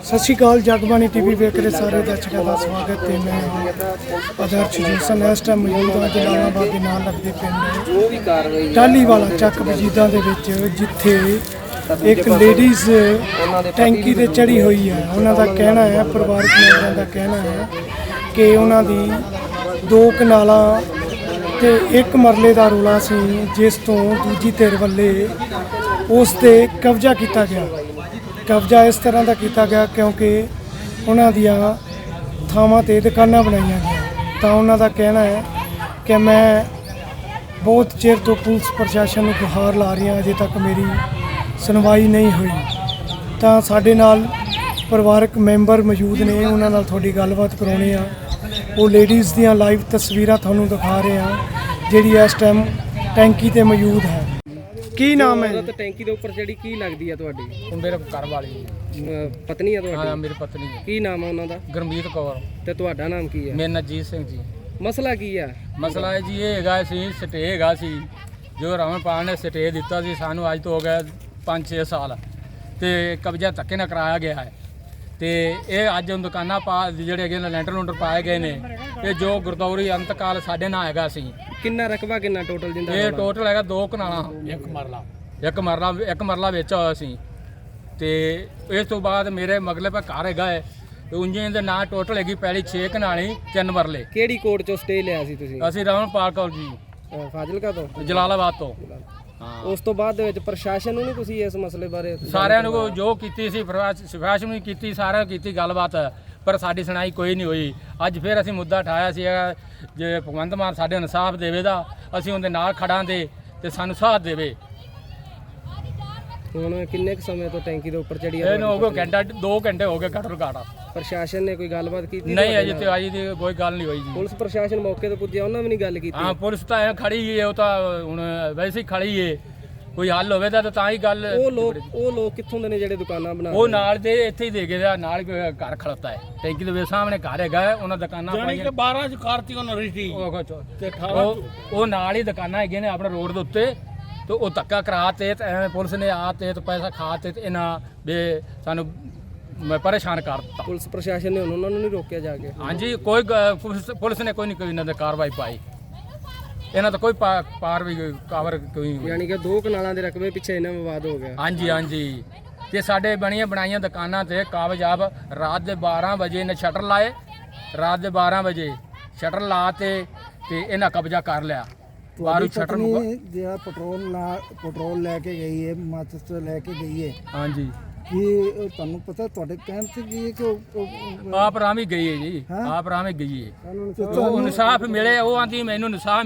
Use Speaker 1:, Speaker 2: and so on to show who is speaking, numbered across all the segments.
Speaker 1: ਸਤਿ ਸ਼੍ਰੀ ਅਕਾਲ ਜਗਬਾਣੀ ਟੀਵੀ ਵੇਖ ਰਹੇ ਸਾਰੇ ਦਰਸ਼ਕਾਂ ਦਾ ਸਵਾਗਤ ਹੈ। ਮੈਂ ਆਦਰਸ਼ ਜੋਸਨ ਇਸ ਟਾਈਮ ਮੌਜੂਦ ਹਾਂ ਜਲਾਲਾਬਾਦ ਦੇ ਨਾਲ ਲੱਗਦੇ ਪਿੰਡ ਟਾਹਲੀਵਾਲਾ ਚੱਕ ਵਜੀਦਾਂ ਦੇ ਵਿੱਚ, ਜਿੱਥੇ ਇੱਕ ਲੇਡੀਜ਼ ਟੈਂਕੀ ਤੇ ਚੜੀ ਹੋਈ ਹੈ। ਉਹਨਾਂ ਦਾ ਕਹਿਣਾ ਹੈ, ਪਰਿਵਾਰਕ ਮੈਂਬਰਾਂ ਦਾ ਕਹਿਣਾ ਹੈ ਕਿ ਉਹਨਾਂ ਦੀ 2 ਕਨਾਲਾਂ ਤੇ 1 ਮਰਲੇ ਦਾ ਰੌਲਾ ਸੀ, ਜਿਸ ਤੋਂ ਦੂਜੀ ਧਿਰ ਵੱਲੇ ਉਸ ਤੇ ਕਬਜ਼ਾ ਕੀਤਾ ਗਿਆ। ਕਬਜ਼ਾ ਇਸ ਤਰ੍ਹਾਂ ਦਾ ਕੀਤਾ ਗਿਆ ਕਿਉਂਕਿ ਉਹਨਾਂ ਦੀਆਂ ਥਾਵਾਂ 'ਤੇ ਦੁਕਾਨਾਂ ਬਣਾਈਆਂ ਗਈਆਂ। ਤਾਂ ਉਹਨਾਂ ਦਾ ਕਹਿਣਾ ਹੈ ਕਿ ਮੈਂ ਬਹੁਤ ਚਿਰ ਤੋਂ ਪੁਲਿਸ ਪ੍ਰਸ਼ਾਸਨ ਨੂੰ ਗੁਹਾਰ ਲਾ ਰਹੀ ਹਾਂ, ਅਜੇ ਤੱਕ ਮੇਰੀ ਸੁਣਵਾਈ ਨਹੀਂ ਹੋਈ। ਤਾਂ ਸਾਡੇ ਨਾਲ ਪਰਿਵਾਰਕ ਮੈਂਬਰ ਮੌਜੂਦ ਨੇ, ਉਹਨਾਂ ਨਾਲ ਤੁਹਾਡੀ ਗੱਲਬਾਤ ਕਰਾਉਣੀ ਆ। ਉਹ ਲੇਡੀਜ਼ ਦੀਆਂ ਲਾਈਵ ਤਸਵੀਰਾਂ ਤੁਹਾਨੂੰ ਦਿਖਾ ਰਹੇ ਹਾਂ, ਜਿਹੜੀ ਇਸ ਟਾਈਮ ਟੈਂਕੀ ਤੇ ਮੌਜੂਦ ਹੈ। ਕੀ ਨਾਮ ਹੈ?
Speaker 2: ਤਾਂ ਟੈਂਕੀ ਦੇ ਉੱਪਰ ਜਿਹੜੀ ਕੀ ਲੱਗਦੀ ਆ ਤੁਹਾਡੀ?
Speaker 3: ਮੇਰੇ ਘਰ ਵਾਲੀ
Speaker 2: ਪਤਨੀ ਆ ਤੁਹਾਡੀ?
Speaker 3: ਹਾਂ, ਮੇਰੀ ਪਤਨੀ ਹੈ।
Speaker 2: ਕੀ ਨਾਮ ਆ ਉਹਨਾਂ ਦਾ?
Speaker 3: ਗੁਰਮੀਤ ਕੌਰ।
Speaker 2: ਤੇ ਤੁਹਾਡਾ ਨਾਮ ਕੀ ਹੈ?
Speaker 3: ਮੇਰਾ ਨਾਂ ਜੀਤ ਸਿੰਘ ਜੀ।
Speaker 2: ਮਸਲਾ ਕੀ ਆ?
Speaker 3: ਮਸਲਾ ਹੈ ਜੀ, ਇਹ ਹੈਗਾ ਸੀ ਸਟੇ ਹੈਗਾ ਸੀ, ਜੋ ਰਾਮਪਾਲ ਨੇ ਸਟੇ ਦਿੱਤਾ ਸੀ ਸਾਨੂੰ, ਅੱਜ ਤੋਂ ਹੋ ਗਿਆ 5-6 ਸਾਲ, ਤੇ ਕਬਜ਼ਾ ਧੱਕੇ ਨਾਲ ਕਰਾਇਆ ਗਿਆ ਹੈ। ਤੇ ਇਹ ਅੱਜ ਦੁਕਾਨਾਂ ਜਿਹੜੇ ਹੈਗੇ ਨੇ ਲੈਂਟਰ ਲੂੰਟਰ ਪਾਏ ਗਏ ਨੇ, ਇਹ ਜੋ ਗੁਰਦੌਰੀ ਅੰਤਕਾਲ ਸਾਡੇ ਨਾਲ ਹੈਗਾ ਸੀ।
Speaker 2: ਕਿੰਨਾ ਰਕਬਾ ਕਿੰਨਾ ਟੋਟਲ ਜਿੰਦਾ?
Speaker 3: ਇਹ ਟੋਟਲ ਹੈਗਾ 2 ਕਨਾਲਾਂ, ਇੱਕ ਮਰਲਾ ਵੇਚਿਆ ਹੋਇਆ ਸੀ। ਤੇ ਇਸ ਤੋਂ ਬਾਅਦ ਮੇਰੇ ਮਗਲੇ ਪਾ ਘਰ ਹੈਗਾ ਹੈ, ਉਂਝੇ ਦੇ ਨਾਂ ਟੋਟਲ ਹੈਗੀ ਪਹਿਲੀ 6 ਕਨਾਲੀ 3 ਮਰਲੇ।
Speaker 2: ਕਿਹੜੀ ਕੋਰਟ ਚੋਂ ਸਟੇ ਲਿਆ ਸੀ ਤੁਸੀਂ?
Speaker 3: ਅਸੀਂ ਰਾਮਪਾਲ ਕੌਰ ਜੀ,
Speaker 2: ਫਾਜ਼ਿਲਕਾ ਤੋਂ,
Speaker 3: ਜਲਾਲਾਬਾਦ ਤੋਂ। ਹਾਂ,
Speaker 2: ਉਸ ਤੋਂ ਬਾਅਦ ਦੇ ਵਿੱਚ ਪ੍ਰਸ਼ਾਸਨ ਨੂੰ ਨਹੀਂ ਤੁਸੀਂ ਇਸ ਮਸਲੇ ਬਾਰੇ?
Speaker 3: ਸਾਰਿਆਂ ਨੂੰ ਜੋ ਕੀਤੀ ਸੀ, ਸਿਫਾਰਿਸ਼ ਵੀ ਕੀਤੀ, ਸਾਰਿਆਂ ਨੂੰ ਕੀਤੀ ਗੱਲਬਾਤ, ਪਰ ਸਾਡੀ ਸੁਣਾਈ ਕੋਈ ਨਹੀਂ ਹੋਈ। ਅੱਜ ਫਿਰ ਅਸੀਂ ਮੁੱਦਾ ਉਠਾਇਆ ਸੀ, ਜੇ ਭਗਵੰਤ ਮਾਨ ਸਾਡੇ ਇਨਸਾਫ ਦੇਵੇਗਾ, ਅਸੀਂ ਉਹਦੇ ਨਾਲ ਖੜਾਂਗੇ ਤੇ ਸਾਨੂੰ ਸਾਥ ਦੇਵੇ।
Speaker 2: ਹੁਣ ਕਿੰਨੇ ਕੁ ਸਮੇਂ ਤੋਂ ਟੈਂਕੀ ਦੇ ਉੱਪਰ ਚੜੀ ਆ?
Speaker 3: ਇਹਨੂੰ ਹੋ ਗਿਆ ਘੰਟਾ 2 ਘੰਟੇ ਹੋ ਗਏ ਘੱਟੋ ਘੱਟ।
Speaker 2: ਪ੍ਰਸ਼ਾਸਨ ਨੇ ਕੋਈ ਗੱਲਬਾਤ ਕੀਤੀ?
Speaker 3: ਨਹੀਂ, ਅਜੇ ਤੇ ਅਜੇ ਦੀ ਕੋਈ ਗੱਲ ਨਹੀਂ ਹੋਈ ਜੀ।
Speaker 2: ਪੁਲਿਸ ਪ੍ਰਸ਼ਾਸਨ ਮੌਕੇ ਤੇ ਪੁੱਜਿਆ, ਉਹਨਾਂ ਵੀ ਨਹੀਂ ਗੱਲ ਕੀਤੀ?
Speaker 3: ਹਾਂ, ਪੁਲਿਸ ਤਾਂ ਐ ਖੜੀ ਹੈ, ਉਹ ਤਾਂ ਹੁਣ ਵੈਸੇ ਹੀ ਖੜੀ ਹੈ, ਕੋਈ ਹੱਲ ਹੋਵੇ ਤਾਂ ਹੀ ਗੱਲ।
Speaker 2: ਉਹ ਲੋਕ ਕਿੱਥੋਂ ਦੇ ਨੇ ਜਿਹੜੇ ਦੁਕਾਨਾਂ ਬਣਾ?
Speaker 3: ਉਹ ਨਾਲ ਦੇ ਇੱਥੇ ਹੀ ਦੇ ਗਏ, ਨਾਲ ਘਰ ਖੜਤਾ ਹੈ ਟੈਂਕੀ ਦੇ ਸਾਹਮਣੇ ਘਰ ਹੈਗਾ, ਉਹਨਾਂ ਦੁਕਾਨਾਂ ਪਾਈਆਂ।
Speaker 4: 12 ਚ ਕਾਰਤੀ ਉਹਨਾਂ ਰਿਸ਼ਤੀ
Speaker 3: ਤੇ ਉਹ ਨਾਲ ਹੀ ਦੁਕਾਨਾਂ ਹੈਗੀਆਂ ਨੇ ਆਪਣੇ ਰੋਡ ਦੇ ਉੱਤੇ। ਤੇ ਉਹ ਧੱਕਾ ਕਰਾ ਤੇ ਐਵੇਂ ਪੁਲਿਸ ਨੇ ਆ ਤੇ ਪੈਸਾ ਖਾ ਤੇ ਇਹਨਾਂ ਵੀ ਸਾਨੂੰ ਪਰੇਸ਼ਾਨ ਕਰ ਦਿੱਤਾ।
Speaker 2: ਪੁਲਿਸ ਪ੍ਰਸ਼ਾਸਨ ਨੇ ਉਹਨਾਂ ਨੂੰ ਨਹੀਂ ਰੋਕਿਆ ਜਾ ਕੇ?
Speaker 3: ਹਾਂਜੀ, ਪੁਲਿਸ ਨੇ ਕੋਈ ਇਹਨਾਂ ਦੇ ਕਾਰਵਾਈ ਪਾਈ, ਇਹਨਾਂ ਦਾ ਕੋਈ ਕੋਈ।
Speaker 2: ਯਾਨੀ ਕਿ 2 ਕਨਾਲਾਂ ਦੇ ਰਕਬੇ ਪਿੱਛੇ ਇਹਨਾਂ ਵਿਵਾਦ ਹੋ ਗਿਆ? ਹਾਂਜੀ। ਤੇ ਸਾਡੇ ਬਣਾਈਆਂ ਦੁਕਾਨਾਂ ਤੇ ਕਾਬਜਾਬ ਰਾਤ ਦੇ 12 ਵਜੇ ਨੇ ਸ਼ਟਰ ਲਾਏ, ਰਾਤ ਦੇ 12 ਵਜੇ ਸ਼ਟਰ ਲਾ ਤੇ ਇਹਨਾਂ ਕਬਜ਼ਾ ਕਰ ਲਿਆ।
Speaker 5: ਤੁਹਾਡੀ ਪਤਨੀ ਜਿਹੜਾ ਪੈਟਰੋਲ ਲੈ ਕੇ ਗਈ ਹੈ, ਮਾਚਿਸ ਲੈ ਕੇ ਗਈ ਹੈ,
Speaker 3: ਹਾਂਜੀ,
Speaker 5: ਕੀ ਤੁਹਾਨੂੰ ਪਤਾ ਤੁਹਾਡੇ ਕਹਿਣ ਤੇ ਕੀ ਹੈ ਕਿ
Speaker 3: ਆਪ ਰਾਮੀ ਗਈ ਹੈ ਜੀ, ਆਪ ਰਾਮੀ ਗਈ ਹੈ। ਉਹ ਇਨਸਾਫ ਮਿਲੇ, ਉਹ ਆਂਦੀ ਮੈਨੂੰ ਇਨਸਾਫ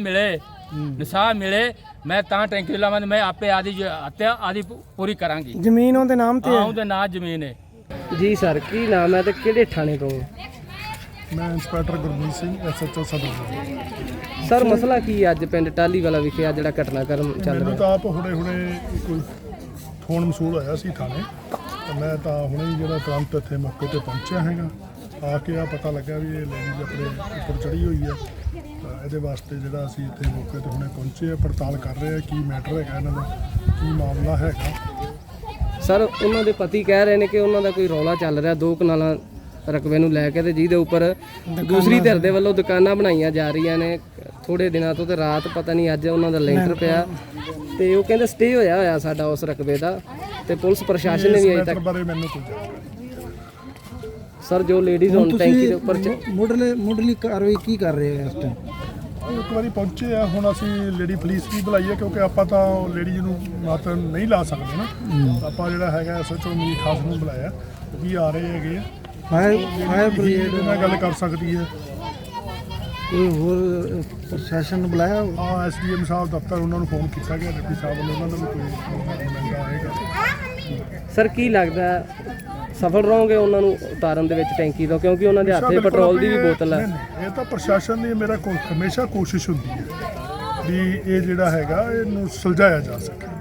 Speaker 3: ਮਿਲੇ, ਮੈਂ ਤਾਂ ਟੈਂਕੀ ਲਾਵਾਂ, ਮੈਂ ਆਪੇ ਆਦੀ ਪੂਰੀ ਕਰਾਂਗੀ।
Speaker 1: ਜ਼ਮੀਨ ਉਹਦੇ ਨਾਮ ਤੇ ਹੈ?
Speaker 3: ਉਹਦੇ ਨਾਂ ਜ਼ਮੀਨ ਹੈ
Speaker 2: ਜੀ। ਸਰ ਕੀ ਨਾਮ ਹੈ ਤੇ ਕਿਹੜੇ ਥਾਣੇ ਤੋਂ?
Speaker 6: ਮੈਂ ਇੰਸਪੈਕਟਰ ਗੁਰਮੀਤ ਸਿੰਘ, SHO ਸਦਰ।
Speaker 2: ਸਰ ਮਸਲਾ ਕੀ ਹੈ ਅੱਜ ਪਿੰਡ ਟਾਹਲੀਵਾਲਾ ਵਿਖੇ ਆ ਜਿਹੜਾ ਘਟਨਾਕ੍ਰਮ ਚੱਲ
Speaker 6: ਮੈਨੂੰ
Speaker 2: ਰਿਹਾ?
Speaker 6: ਤਾਂ ਆਪ ਹੁਣੇ ਕੋਈ ਫੋਨ ਮਸੂਲ ਹੋਇਆ ਸੀ ਥਾਣੇ, ਤੇ ਮੈਂ ਤਾਂ ਹੁਣੇ ਹੀ ਜਿਹੜਾ ਤੁਰੰਤ ਇੱਥੇ ਮੌਕੇ ਤੇ ਪਹੁੰਚਿਆ ਹੈਗਾ। ਆ ਕੇ ਆ ਪਤਾ ਲੱਗਾ ਵੀ ਇਹ ਲੇਡੀ ਆਪਣੇ ਉੱਪਰ ਚੜੀ ਹੋਈ ਹੈ। ਤਾਂ ਇਹਦੇ ਵਾਸਤੇ ਜਿਹੜਾ ਅਸੀਂ ਇੱਥੇ ਮੌਕੇ ਤੇ ਹੁਣੇ ਪਹੁੰਚੇ ਆ, ਪੜਤਾਲ ਕਰ ਰਹੇ ਆ ਕੀ ਮੈਟਰ ਹੈਗਾ, ਇਹਨਾਂ ਦਾ ਕੀ ਮਾਮਲਾ ਹੈਗਾ।
Speaker 2: ਸਰ ਉਹਨਾਂ ਦੇ ਪਤੀ ਕਹਿ ਰਹੇ ਨੇ ਕਿ ਉਹਨਾਂ ਦਾ ਕੋਈ ਰੌਲਾ ਚੱਲ ਰਿਹਾ 2 ਕਨਾਲਾਂ ਰਕਬੇ ਨੂੰ ਲੈ ਕੇ, ਤੇ ਜਿਹਦੇ ਉੱਪਰ ਦੂਸਰੀ ਧਿਰ ਦੇ ਵੱਲੋਂ ਦੁਕਾਨਾਂ ਬਣਾਈਆਂ ਜਾ ਰਹੀਆਂ ਨੇ ਥੋੜੇ ਦਿਨਾਂ ਤੋਂ। ਤੇ ਰਾਤ ਪਤਾ ਨਹੀਂ ਅੱਜ ਉਹਨਾਂ ਦਾ ਲੈਂਟਰ ਪਿਆ, ਤੇ ਉਹ ਕਹਿੰਦੇ ਸਟੇ ਹੋਇਆ ਸਾਡਾ ਉਸ ਰਕਬੇ ਦਾ, ਤੇ ਪੁਲਿਸ ਪ੍ਰਸ਼ਾਸਨ ਨੇ ਵੀ ਅਜੇ ਤੱਕ
Speaker 6: ਬਾਰੇ ਮੈਨੂੰ ਕੋਈ ਜਾਣਕਾਰੀ।
Speaker 2: ਸਰ ਜੋ ਲੇਡੀਜ਼ ਹੁਣ ਟੈਂਕੀ ਦੇ ਉੱਪਰ
Speaker 5: ਮੁੱਢਲੀ ਕਾਰਵਾਈ ਕੀ ਕਰ ਰਹੇ ਹੋ ਇਸ ਟਾਈਮ?
Speaker 6: ਇੱਕ ਵਾਰੀ ਪਹੁੰਚੇ ਆ, ਹੁਣ ਅਸੀਂ ਲੇਡੀ ਪੁਲਿਸ ਵੀ ਬੁਲਾਈ ਹੈ, ਕਿਉਂਕਿ ਆਪਾਂ ਤਾਂ ਲੇਡੀ ਨੂੰ ਮਾਤ ਨਹੀਂ ਲਾ ਸਕਦੇ ਨਾ। ਆਪਾਂ ਜਿਹੜਾ ਹੈਗਾ SHO ਮੀਰ ਖਾਸ ਨੂੰ ਬੁਲਾਇਆ, ਉਹ ਵੀ ਆ ਰਹੇ ਹੈਗੇ ਆ।
Speaker 5: ਫਾਇਰ ਬ੍ਰਿਗੇਡ
Speaker 6: ਨਾਲ ਗੱਲ ਕਰ ਸਕਦੀ ਹੈ।
Speaker 5: ਕੋਈ ਹੋਰ ਪ੍ਰਸ਼ਾਸਨ ਨੂੰ ਬੁਲਾਇਆ?
Speaker 6: ਹਾਂ, SDM ਸਾਹਿਬ ਦਫ਼ਤਰ, ਉਹਨਾਂ ਨੂੰ ਫੋਨ ਕੀਤਾ ਗਿਆ, ਡਿਪਟੀ ਸਾਹਿਬ ਵੱਲੋਂ, ਉਹਨਾਂ ਨੂੰ ਵੀ ਕੋਈ ਮਿਲਦਾ ਆਏਗਾ।
Speaker 2: ਸਰ ਕੀ ਲੱਗਦਾ ਸਫਲ ਰਹੋਗੇ ਉਹਨਾਂ ਨੂੰ ਉਤਾਰਨ ਦੇ ਵਿੱਚ ਟੈਂਕੀ ਤੋਂ, ਕਿਉਂਕਿ ਉਹਨਾਂ ਦੇ ਹੱਥੇ ਪੈਟਰੋਲ ਦੀ ਵੀ ਬੋਤਲ ਹੈ?
Speaker 6: ਇਹ ਤਾਂ ਪ੍ਰਸ਼ਾਸਨ ਦੀ ਮੇਰਾ ਹਮੇਸ਼ਾ ਕੋਸ਼ਿਸ਼ ਹੁੰਦੀ ਹੈ ਵੀ ਇਹ ਜਿਹੜਾ ਹੈਗਾ ਇਹਨੂੰ ਸੁਲਝਾਇਆ ਜਾ ਸਕੇ।